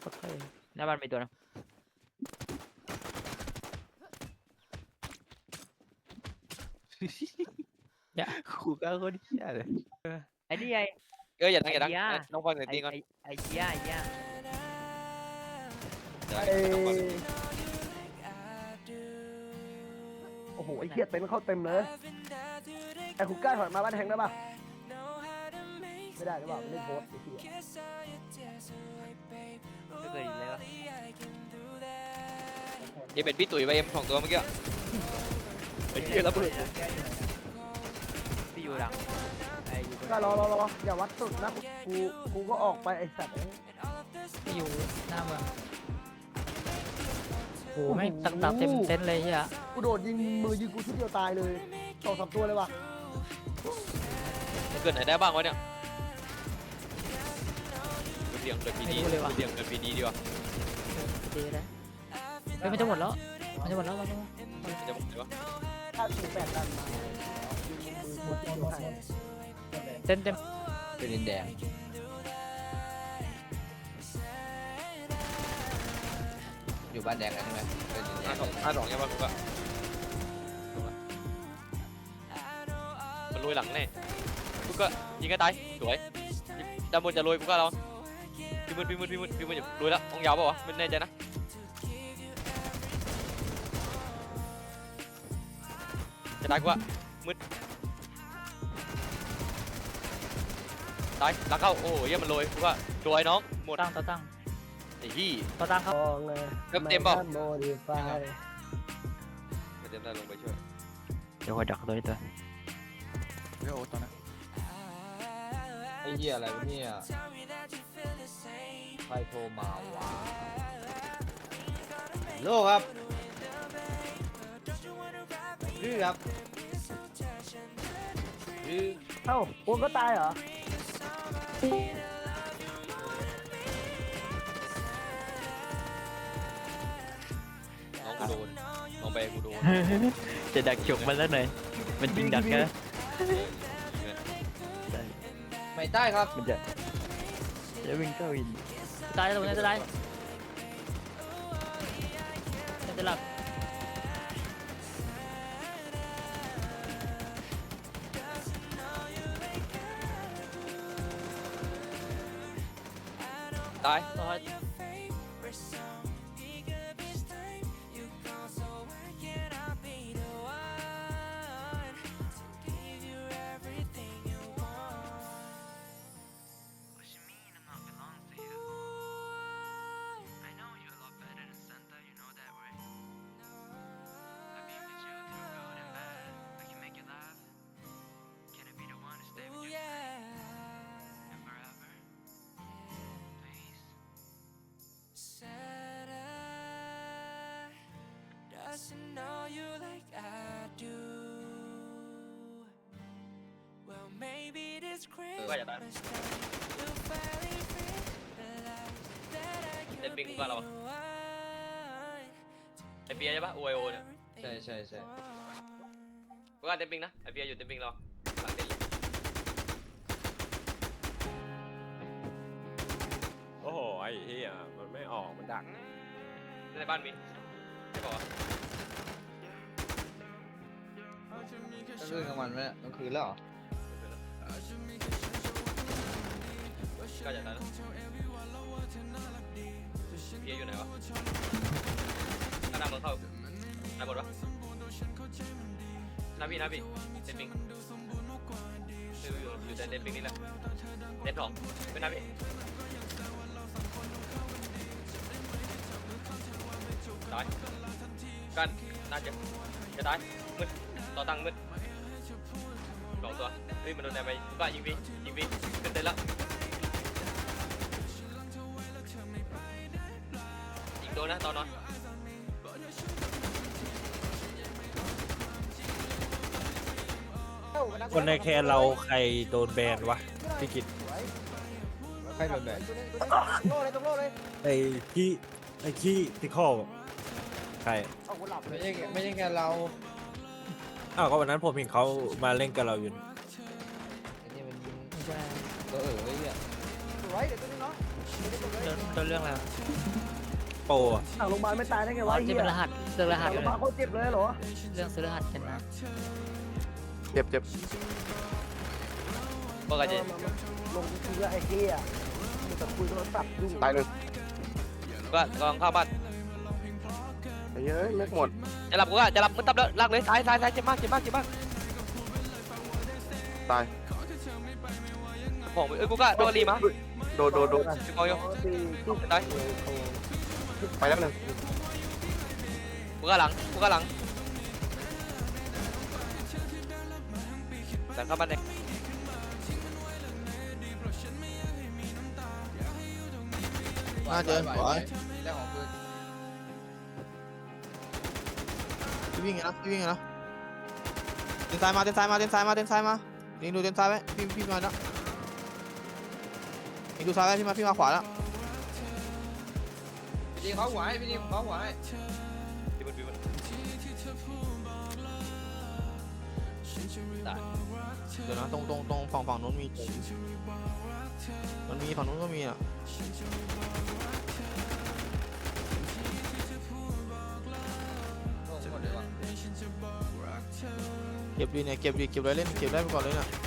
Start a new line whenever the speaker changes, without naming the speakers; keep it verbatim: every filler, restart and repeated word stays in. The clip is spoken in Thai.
ค่อยหน้าบ้านมีตัวนึงอย่า
ขู่ก้าคนเหี้ยเลย
ไอ้นี่ไง
เอออย่าดังอย่าดัง
ไอ้เหี้ย
น้องฟังเสียง
ไอ้
ตีก่อน
ไอ้ไอ้เหี้ยไอ้เหี้ย
อย่า
เอ้
ดังน้องฟังเสียง
ยโอ้โหไอ้เหี้ยเต็นท์เข้าเต็มเลยไอ้คุกก้าถอยมาบ้านแทงได้ป่ะไม่ได้หรือเปล่าไม่ได้โพสต์ไอ้เหี้ย
ไม่เคยเห็นเลยวะ
เอ็มเป็นพี่ตุ๋ยไปเอ็มสองตัวเมื่อกี้ไอ้เหี้ยระเบิด
พี่อยู่หลังไอ้อยู่ตรง
ก็รอรอรออย่าวัดสุดนะกูกูก็ออกไปไอ้สัตว์
พี่อยู่หน้าเมืองโอ้ไม่ตักตักเต็มเต็นท์เลยเหี้ย
กูโดดยิงมือยิงกูชุดเดียวตายเลยสองสามตัวเลยว่ะ
มันเกิดไหนได้บ้างวะเนี่ยเรียงเกิดพีดีเรียงเกิดพีดีดีกว่า
ดีแล้วเฮ้ยมันจะหมดแล้วมันจะหมดแล้วมันจะหมด
มันจะบอกเลยวะ
ถ้าถึงแปดดันมายิงมือชุดเดียวตาย
เต็นเต็ม
เป็นดินแดงอยู่บ้านแดงกันใช่ไหมเป็นดินแด
ห้าง สองห้าสองใช่ป่ะกูก็มันลุยหลังแน่กูก็ยิงก็ตายสวยด้านบนจะลุยกูก็เราพี่มืดพี่มืดพี่มืดพี่มืดลุยแล้วองยาวป่าวะไม่แน่ใจนะจะตายกูว่ามืดตายหลังเข้าโอ้โหเยี่ยมันลุยกูก็สวยน้องหมด
ตั้งต่อตั้ง
ไอ้ที่
ต่อตั้งครับ
มองเลย
เต็มเต็มเปล่า
โมดิฟาย
ไม่เต็มได้ลงไปช่วย
เดี๋ยวคอยดักตัวนี้ตัว
เฮ้ยโอ้ตอนนั้นไอ้เหี้ยอะไรวะเนี่ยใครโทรมาวะโลครับดื้อครับดื้อ
เอ้าโอ้ก็ตายเหรอ
น้องกูโดนน้องไปกูโดน
จะดักฉกมันแล้วหน่อยมันจริงดักนะ
ไม่ได้ครับ
มันจะจะวิ่งเข้าอินตายแล้วตรงนี้จะตายจะหลับ
ตาย
ต่อ
Doesn't know you like I do. Well, maybe this
ก็อย่าตาย
Christmas time you'll finally realize that I
เล่น
could
ปิง
be
กูก็เรา
the one.
ไอเปียใช่ปะโอไอโอเนี่ย
ใช่ใช่ใช่
กูก็เต็มปิงนะไอเปียอยู่เต็มปิงเราหลังเต็มเลย
โอ้โหไอ้เหี้ยมันไม่ออกมันดัก
ในบ้านมีไม่บอกว่า
ก็คือกลางวันไหมเนี่ยกลางคืนแล้วเหรอ
ก็อย่าตายนะเปียอยู่ไหนวะหน้ามึงเข้าหน้าบดวะหน้าพี่หน้าพี่เต็มปิงอยู่อยู่อยู่แต่เต็มปิงนี่แหละเต็มสองเป็นหน้าพี่ตายกันน่าจะจะตายมืดต่อตังมืดสองตัวเฮ้ยมันโดนไหนไปบ้ายิงพี่ยิงพี่ขึ้นเต็มแล้วยิงโดนนะตอนนอน
คนในแคนเราใครโดนแบนวะพี่กิต
ใครโดนแบน
โล่เลยตรงโล่เลย
ไอ้ขี้ไอ้ขี้ติคอลใคร
เอากูหลับเล
ไม่
ย
ใช่ไม่ใช่แค่เรา
อ้าวก็วันนั้นผมเห็นเขามาเล่นกับเราอยู่
ไอ้นี่มันยิง
ไม่ใช่
ตัวเอ๋อไอ้เหี้ย
สวยเดี๋ยวตัวนี้เนาะ
ต้นต้นเรื่องอะไร
โปรอะ
หลังโรงพยาบาลไม่ตายได้ไง
อ๋
วะ
อ
ไอ้
จะ
เหี้ย
เป็นรหัสเรื่องร
ห
หั
ลั
ส
ง
อ
โร
ยู่
งพยาบาลเขาเจ็บเลยเหรอ
เรื่องซื้อรหัสกันนะ
เจ็บเจ็บ
พวกกันจะ
ลงทีละไอ้เหี้ยมึงจะคุยโทรศัพท์ยุ่ง
ตายหนึ่ง
ก็กำลังเข้าบ้าน
ไอ้เฮ้ยแม็กหมด
จะหลับกูก็จะหลับมึงตับแล้วลากเลยซ้ายซ้ายซ้ายเจ็บมากเจ็บมากเจ็บมาก
ตาย
ผมเอ้ยกูก็โดนรีมา
โดนโดนโดน
จะกอย
ตีที่
ตาย
ไปแล้วหนึ่ง
กูก็หลังกูก็หลังแต่เข้าบ้านเด็ก
น่าเจอขวา
พี่วิ่งไงนะพี่วิ่งไงนะเดินซ้ายมาเดินซ้ายมาเดินซ้ายมาเดินซ้ายมายิงดูเดินซ้ายไว้พี่พี่มาแล้วยิงดูซ้ายไว้พี่มาพี่มาขวาแล้ว
พี่เขาหัวให้พี่ดิมเขาหัวให้พี่บนพี่บนตาย
เดี๋ยวนะตรงตรงตรงฝั่งฝั่งนู้นมีมันมีฝั่งนู้นก็มีอ่ะเก็บดีเนี่ยเก็บดีเก็บไว้เล่นเก็บได้ไปก่อนเลยเนี่ย